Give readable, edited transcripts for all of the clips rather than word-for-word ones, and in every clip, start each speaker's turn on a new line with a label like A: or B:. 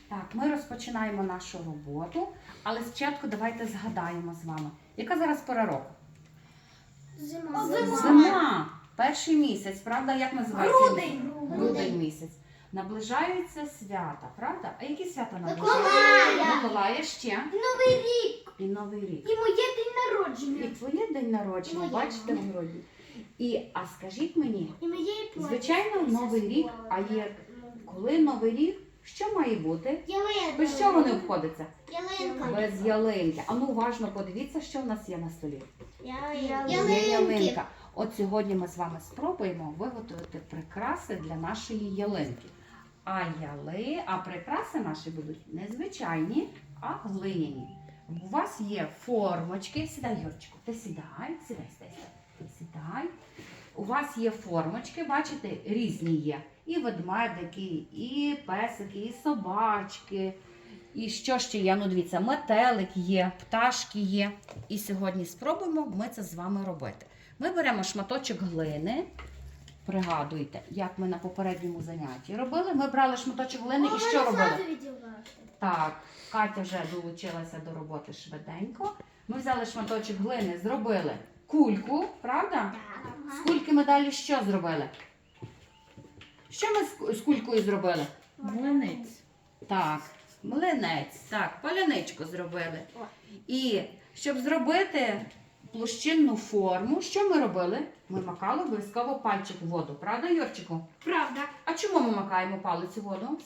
A: Так, ми розпочинаємо нашу роботу, але спочатку давайте згадаємо з вами. Яка зараз пора року?
B: Зима.
A: Зима. Перший місяць, правда? Як називається?
B: Грудень.
A: Грудень місяць. Наближаються свята, правда? А які свята
B: Миколая.
A: наближаються? Миколая ще.
B: Новий рік.
A: І Новий рік.
B: І моє день
A: І
B: народження.
A: твоє день народження,
B: Моє.
A: бачите, в грудні. А скажіть мені,
B: І моє плаття.
A: звичайно, Новий рік, а є коли Новий рік, що має бути?
B: Ялинка.
A: Без чого не обходиться?
B: Ялинка.
A: Без ялинки. А ну уважно подивіться, що в нас є на столі. Є
B: Ялинки.
A: ялинка. От сьогодні ми з вами спробуємо виготовити прикраси для нашої ялинки. А прикраси наші будуть не звичайні, а глиняні. У вас є формочки. Сідай, Юрчику, ти сідай. Сідай. У вас є формочки, бачите, різні є. І ведмедики, і песики, і собачки. І що ще є? Ну, дивіться, метелик є, пташки є. І сьогодні спробуємо ми це з вами робити. Ми беремо шматочок глини. Пригадуйте, як ми на попередньому занятті робили. Ми брали шматочок глини і що робили? Так, Катя вже долучилася до роботи швиденько. Ми взяли шматочок глини, зробили кульку, правда? З кульки ми далі що зробили? Що ми з кулькою зробили?
C: Млинець.
A: Так, млинець, так, паляничку зробили. І щоб зробити площинну форму, що ми робили? Ми макали обов'язково пальчик в воду, правда, Юрчику?
B: Правда.
A: А чому ми макаємо палець у воду?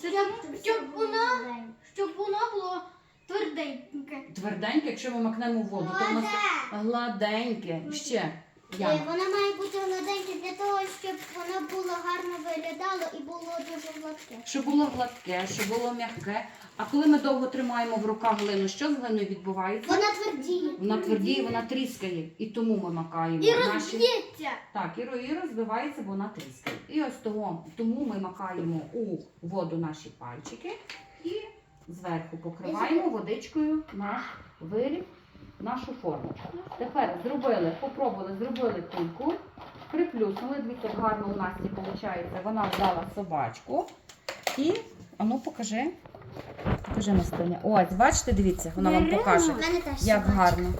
B: Щоб воно було тверденьке.
A: Тверденьке, якщо ми макнемо в воду, то в нас гладеньке. Ще. Яна.
B: Вона має бути гладеньке для того, щоб воно було гарно виглядало і було дуже гладке.
A: Щоб було гладке, щоб було м'яке. А коли ми довго тримаємо в руках глину, що з глиною відбувається?
B: Вона твердіє.
A: Вона твердіє, вона тріскає. І тому ми макаємо
B: І
A: наші...
B: розб'ється.
A: Так, і розбивається, бо вона тріскає. І ось тому ми макаємо у воду наші пальчики і зверху покриваємо водичкою наш виріб, нашу форму. Тепер зробили кульку, приплюснули, дивіться, як гарно у Насті виходить. Вона взяла собачку і, покажи Настуня. Ось, бачите, дивіться, вона вам покаже, як гарно.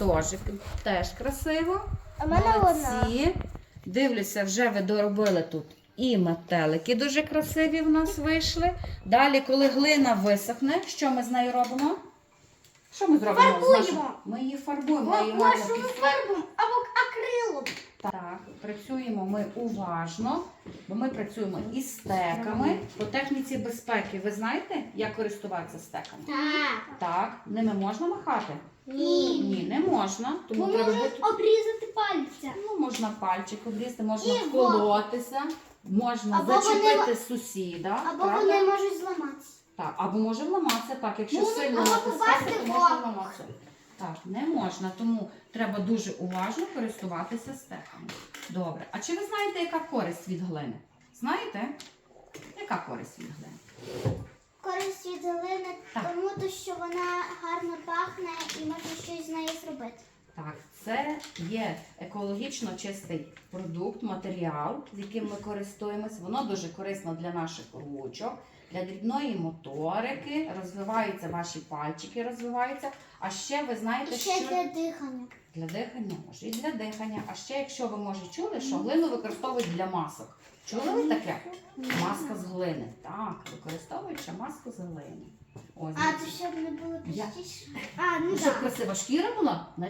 A: Теж красиво.
B: А в мене
A: Молодці. Дивлюся, вже ви доробили тут і метелики дуже красиві в нас вийшли. Далі, коли глина висохне, що ми з нею робимо? Що ми зробимо?
B: Фарбуємо.
A: Ми її фарбуємо. Ми її
B: Машину фарбом або акрилом.
A: Так, працюємо ми уважно, бо ми працюємо із стеками. По техніці безпеки ви знаєте, як користуватися стеками?
B: Так.
A: Так, ними можна махати?
B: Ні.
A: Ні, не можна. Тому
B: Бо
A: треба
B: можуть
A: бути...
B: обрізати пальця.
A: Можна пальчик обрізати, можна
B: І
A: вколотися, можна
B: Або
A: зачепити сусіда.
B: Або
A: правда?
B: вони можуть зламатися.
A: Так, або може вламатися, так, якщо
B: Можуть
A: сильно
B: або
A: натискати,
B: попасти
A: то
B: в
A: може
B: око.
A: вламатися. Так, не можна, тому треба дуже уважно користуватися стеками. Добре. А чи ви знаєте, яка користь від глини? Знаєте? Яка користь від глини?
B: Користь від глини,
A: Так.
B: тому що вона гарно пахне і можна щось з нею зробити.
A: Так, це є екологічно чистий продукт, матеріал, з яким ми користуємось. Воно дуже корисно для наших ручок, для дрібної моторики, розвиваються ваші пальчики, розвиваються. А ще ви знаєте,
B: І ще
A: що...
B: для дихання.
A: Для дихання, може і для дихання. А ще, якщо ви, може, чули, що глину використовують для масок. Чули ви таке? Маска з глини. Так, використовують ще маску з глини. Ось,
B: А, це щоб не було
A: Я-
B: простіше. А, ну
A: щоб
B: так.
A: красива шкіра була,